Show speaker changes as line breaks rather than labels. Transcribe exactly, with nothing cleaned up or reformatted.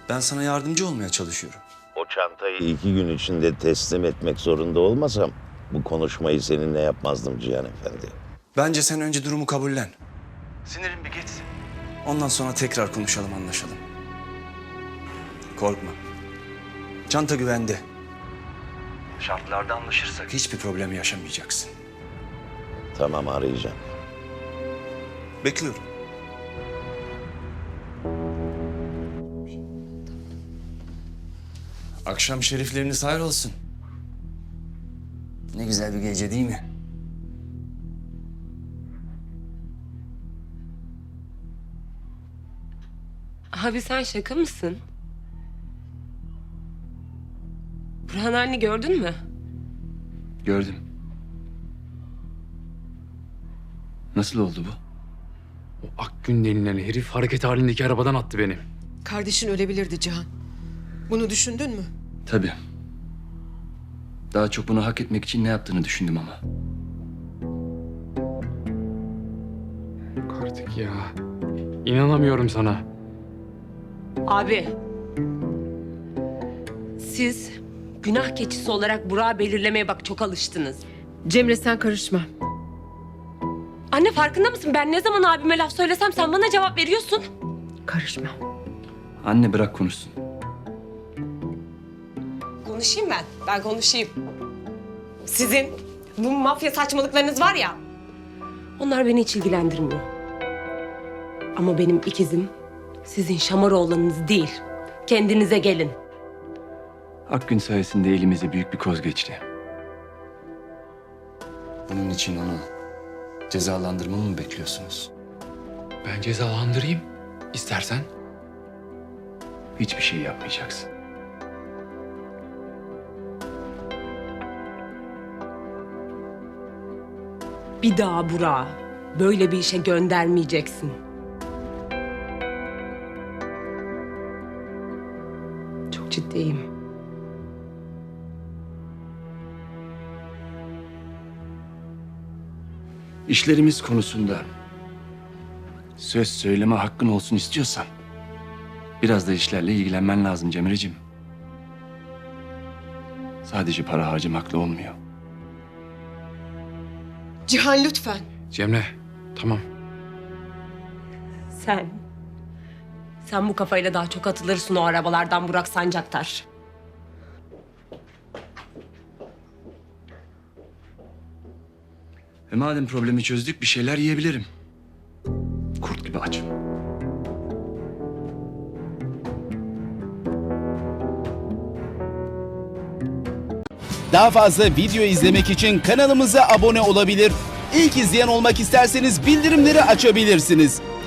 Ben sana yardımcı olmaya çalışıyorum.
O çantayı iki gün içinde teslim etmek zorunda olmasam bu konuşmayı seninle yapmazdım Cihan Efendi.
Bence sen önce durumu kabullen. Sinirin bir geçsin. Ondan sonra tekrar konuşalım, anlaşalım. Korkma. Çanta güvende. Şartlarda anlaşırsak hiçbir problem yaşamayacaksın.
Tamam, arayacağım.
Bekliyorum. Akşam şerifleriniz hayır olsun. Ne güzel bir gece değil mi?
Abi sen şaka mısın? Burhan anne gördün mü?
Gördüm. Nasıl oldu bu?
O Akgün denilen herif hareket halindeki arabadan attı beni.
Kardeşin ölebilirdi Cihan. Bunu düşündün mü?
Tabii. Daha çok bunu hak etmek için ne yaptığını düşündüm ama.
Yok artık ya. İnanamıyorum sana.
Abi. Siz günah keçisi olarak Burak'ı belirlemeye bak çok alıştınız.
Cemre sen karışma.
Anne farkında mısın? Ben ne zaman abime laf söylesem sen bana cevap veriyorsun.
Karışma.
Anne bırak konuşsun.
Konuşayım ben. Ben konuşayım. Sizin bu mafya saçmalıklarınız var ya. Onlar beni hiç ilgilendirmiyor. Ama benim ikizim sizin Şamaroğlan'ınız değil. Kendinize gelin.
Akgün sayesinde elimize büyük bir koz geçti.
Bunun için onu cezalandırmamı mı bekliyorsunuz?
Ben cezalandırayım. İstersen.
Hiçbir şey yapmayacaksın.
Bir daha Burak'ı böyle bir işe göndermeyeceksin. Çok ciddiyim.
İşlerimiz konusunda söz söyleme hakkın olsun istiyorsan biraz da işlerle ilgilenmen lazım Cemre'cim. Sadece para harcamakla olmuyor.
Cihan lütfen.
Cemre, tamam.
Sen, sen bu kafayla daha çok atılırsın o arabalardan Burak Sancaktar.
E madem problemi çözdük bir şeyler yiyebilirim. Kurt gibi açım.
Daha fazla video izlemek için kanalımıza abone olabilir. İlk izleyen olmak isterseniz bildirimleri açabilirsiniz.